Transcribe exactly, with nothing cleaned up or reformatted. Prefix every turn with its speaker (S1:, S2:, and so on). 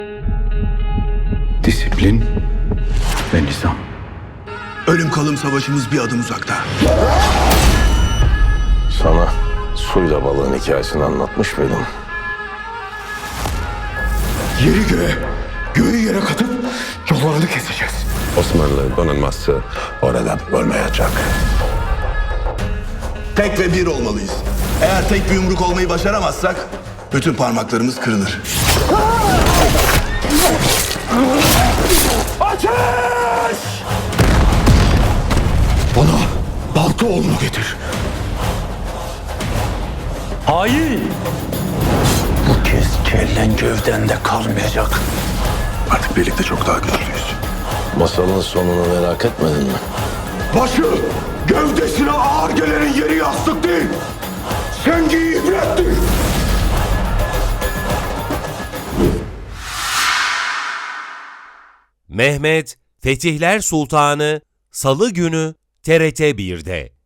S1: Disiplin ve nizam.
S2: Ölüm kalım savaşımız bir adım uzakta.
S3: Sana suyla balığın hikayesini anlatmış mıydım?
S1: Yeri göğe, göğü yere katıp yollarını keseceğiz.
S3: Osmanlı donanması oradan olmayacak.
S2: Tek ve bir olmalıyız. Eğer tek bir yumruk olmayı başaramazsak bütün parmaklarımız kırılır.
S1: Ateş! Bana balta oğlunu getir. Hain! Bu kez kellen gövdende kalmayacak.
S2: Artık birlikte çok daha güçlüyüz.
S3: Masalın sonunu merak etmedin mi?
S1: Başı gövdesine ağır gelenin yeri yastık değil. Sengi ibrettir.
S4: Mehmet Fetihler Sultanı Salı günü T R T bir'de.